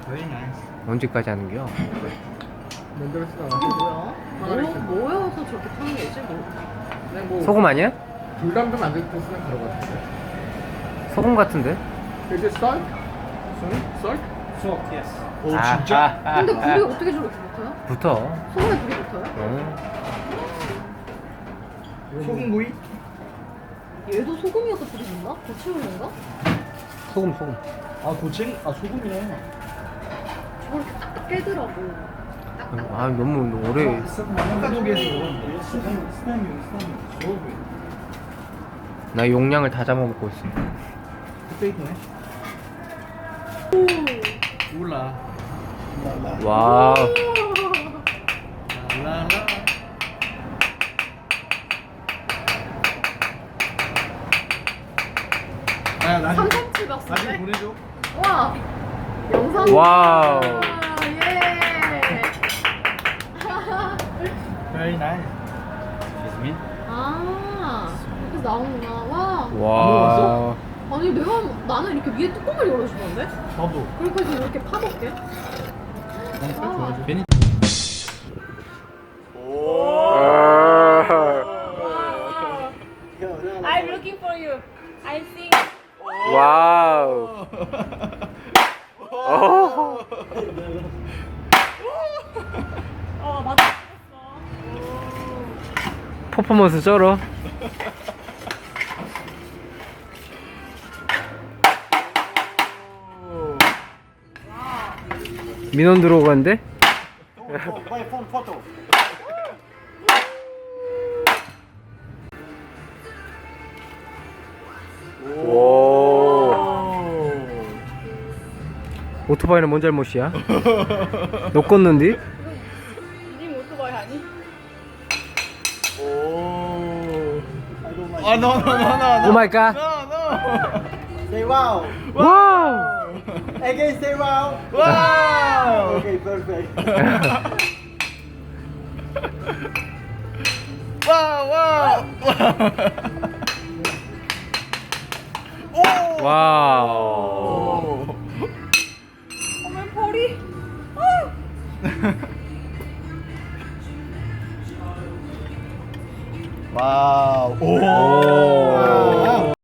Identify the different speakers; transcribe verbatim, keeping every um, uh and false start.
Speaker 1: Very nice.
Speaker 2: 언제까지 하는겨?
Speaker 3: 만들었어.
Speaker 4: 뭐야? 뭐, 뭐여서 저렇게 타는 거지? 뭐.
Speaker 3: 그냥 뭐
Speaker 2: 소금 아니야?
Speaker 3: 불담도 만들 때 쓰는 가루 같은데.
Speaker 2: 소금 같은데?
Speaker 3: 이게 썰? 썰?
Speaker 1: Salt, yes.
Speaker 3: 오
Speaker 2: 아,
Speaker 3: 진짜?
Speaker 2: 아, 아,
Speaker 4: 근데 불이
Speaker 2: 아.
Speaker 4: 어떻게 저렇게 붙어요?
Speaker 2: 붙어.
Speaker 4: 소금에 불이 붙어요?
Speaker 2: 어.
Speaker 3: 소금구이?
Speaker 4: 얘도 소금이어서 불이 붙나? 고체올인가?
Speaker 2: 소금 소금.
Speaker 1: 아, 고체? 아, 소금이네.
Speaker 4: 저걸 이렇게 딱 깨더라고.
Speaker 2: 아 너무 오래.
Speaker 1: 한국에서 스팸, 스팸, 스팸.
Speaker 2: 나 용량을 다 잡아먹고 있어.
Speaker 1: 그때 있네. 몰라.
Speaker 2: 와.
Speaker 1: 라라라. 아, 나중에,
Speaker 4: 삼삼칠
Speaker 1: 나중에
Speaker 4: 박스인데?
Speaker 1: 보내줘.
Speaker 4: 와! 영상.
Speaker 2: 와우.
Speaker 4: 예!
Speaker 1: Very nice. Excuse me.
Speaker 4: 아, 이렇게 나오는구나. 와.
Speaker 2: 와.
Speaker 4: 아니, 내가, 나는 이렇게 위에 뚜껑을 열어주던데?
Speaker 1: 나도.
Speaker 4: 그렇게 해서 이렇게 파볼게. 아.
Speaker 1: 괜히.
Speaker 5: I'm looking for you. I think.
Speaker 2: 와우. 어.
Speaker 5: 어 맞아.
Speaker 2: 퍼포먼스 쩔어. 민원 들어오는데?
Speaker 1: My phone photo.
Speaker 2: 오. 오토바이는 뭔 잘못이야? 너 껐는디?
Speaker 5: 이님 오토바이 아니?
Speaker 1: 오. 아, no, no, no, no.
Speaker 2: 오 마이 갓.
Speaker 1: No, no. Say wow.
Speaker 2: 와우.
Speaker 1: Again, say wow. Wow. Okay, perfect. wow, wow. 오.
Speaker 2: 와우.
Speaker 5: 어머 벌이.
Speaker 1: 와우. 오.
Speaker 2: 오.